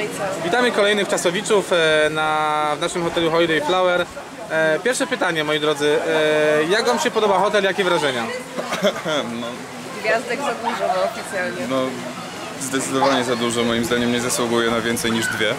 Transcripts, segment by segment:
i co? Witamy kolejnych czasowiczów w naszym hotelu Holiday Flower. Pierwsze pytanie, moi drodzy. Jak wam się podoba hotel? Jakie wrażenia? No, Gwiazdek za dużo, no oficjalnie. no, zdecydowanie za dużo. Moim zdaniem nie zasługuje na więcej niż dwie.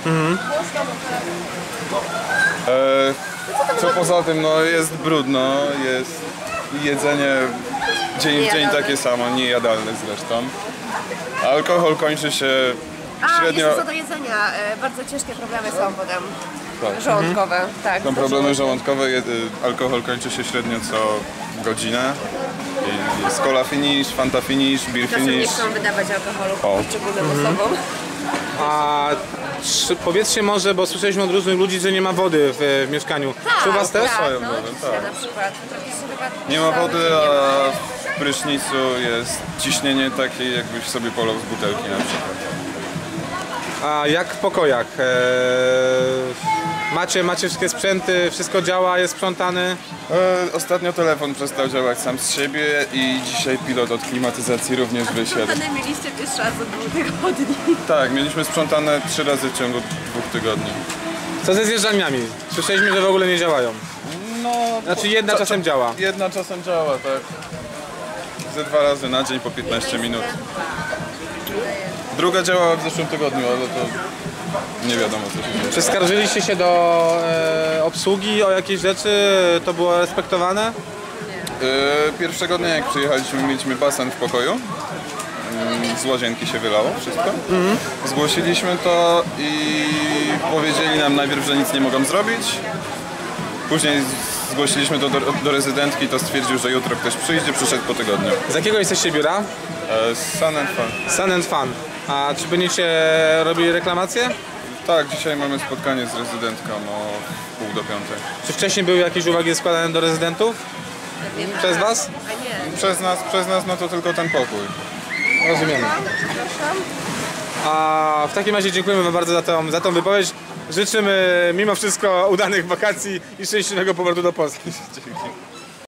Co poza tym, no jest brudno, jest jedzenie dzień w dzień takie samo, niejadalne zresztą. Alkohol kończy się średnio... Jeszcze co do jedzenia, bardzo ciężkie problemy są potem Tak. żołądkowe. Tak, Są problemy żołądkowe, alkohol kończy się średnio co godzinę. I jest cola finish, fanta finish, beer Czasem nie finish. chcą wydawać alkoholu O. poszczególnym osobom. A powiedzcie może, bo słyszeliśmy od różnych ludzi, że nie ma wody w mieszkaniu. Czy u was też? Tak, Swoją no, wodę, dzisiaj tak. na przykład. Trochę się chyba Nie ma cały wody, dzień nie ma. a w prysznicu jest ciśnienie takie, jakbyś sobie polał z butelki na przykład. A jak w pokojach? Macie wszystkie sprzęty, wszystko działa, jest sprzątane? Ostatnio telefon przestał działać sam z siebie i dzisiaj pilot od klimatyzacji również wysiadł. Sprzątane mieliście pierwszy raz od 2 tygodni. Tak, mieliśmy sprzątane 3 razy w ciągu 2 tygodni. Co ze zjeżdżalniami? Słyszeliśmy, że w ogóle nie działają. No, Znaczy jedna czasem działa. Jedna czasem działa, tak. Ze 2 razy na dzień po 15 minut. Druga działała w zeszłym tygodniu, ale to nie wiadomo co się dzieje. Czy skarżyliście się do obsługi o jakieś rzeczy? To było respektowane? Pierwszego dnia jak przyjechaliśmy, mieliśmy basen w pokoju. Z łazienki się wylało wszystko. Zgłosiliśmy to i powiedzieli nam najpierw, że nic nie mogą zrobić. Później zgłosiliśmy to do rezydentki, to stwierdził, że jutro ktoś przyjdzie, przyszedł po tygodniu. Z jakiego jesteście biura? Sun and Fun. Sun and Fun. A czy będziecie robili reklamację? Tak, dzisiaj mamy spotkanie z rezydentką o 4:30. Czy wcześniej były jakieś uwagi składane do rezydentów? Przez was? A nie. Przez nas no to tylko ten pokój. Rozumiemy. A w takim razie dziękujemy wam bardzo za tą wypowiedź. Życzymy mimo wszystko udanych wakacji i szczęśliwego powrotu do Polski. Dzięki.